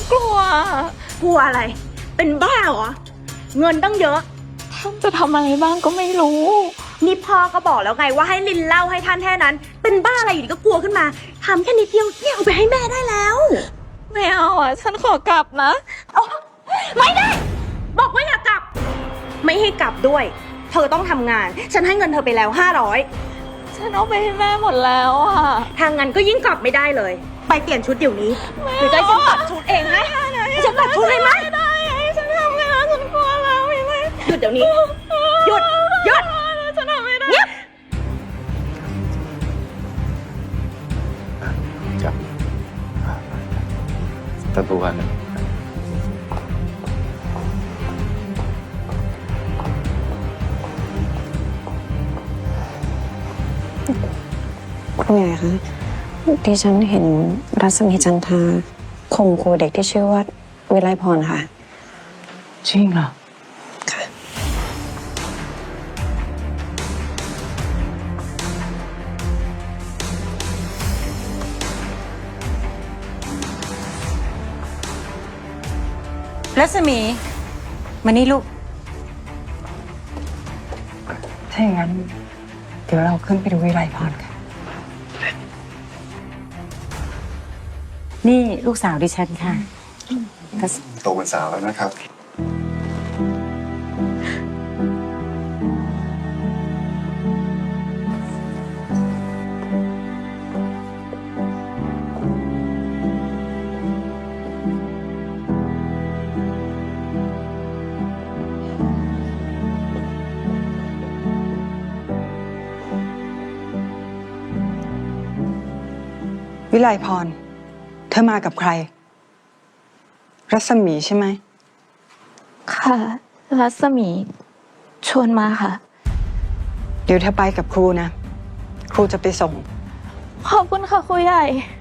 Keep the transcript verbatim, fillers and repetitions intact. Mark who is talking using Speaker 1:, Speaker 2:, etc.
Speaker 1: กลัว
Speaker 2: กลัวอะไรเป็นบ้าเหรอเงินตั้งเยอะ
Speaker 1: ท่านจะทำอะไรบ้างก็ไม่รู้
Speaker 2: นี่พ่อก็บอกแล้วไงว่าให้ลินเล่าให้ท่านแค่นั้นเป็นบ้าอะไรอยู่ดีก็กลัวขึ้นมาทำแค่นิดเดียวเนี่ยเอาไปให้แม่ได้แล้ว
Speaker 1: ไม่เอาอ่ะฉันขอกลับนะ
Speaker 2: ไม่ได้บอกว่าอย่ากลับไม่ให้กลับด้วยเธอต้องทำงานฉันให้เงินเธอไปแล้วห้าร้อย
Speaker 1: ฉันเอาไปให้แม่หมดแล้วอ่ะ
Speaker 2: ทางงานก็ยิ่งกลับไม่ได้เลยไปเปลี่ยนชุดเดี๋ยวนี้หรือจะฉันตัดชุดเองให้ฉันตัดชุดเลยไหม
Speaker 1: ไม่ได้ฉันทำงานฉันกลัวแล้วไม่ไม่
Speaker 2: หยุดเดี๋ยวนี้หยุดหยุด
Speaker 1: ฉันทำไม่ได้
Speaker 3: จับประตูกัน
Speaker 4: คุณใหญ่คะที่ฉันเห็นรัศมีจันทราข่มขู่เด็กที่ชื่อว่าวิไลพรค่ะ
Speaker 5: จริงเหรอ
Speaker 4: ค่ะ
Speaker 5: รัศมีมานี่ลูกถ้าอย่างนั้นเดี๋ยวเราขึ้นไปดูวิไลพรกันนี่ลูกสาวดิฉันค่ะ
Speaker 3: โตเป็นสาวแล้วนะครับ
Speaker 6: วิไลพรเธอมากับใครรัศมีใช่ไหม
Speaker 1: ค่ะรัศมีชวนมาค่ะ
Speaker 6: เดี๋ยวเธอไปกับครูนะครูจะไปส่ง
Speaker 1: ขอบคุณค่ะครูใหญ่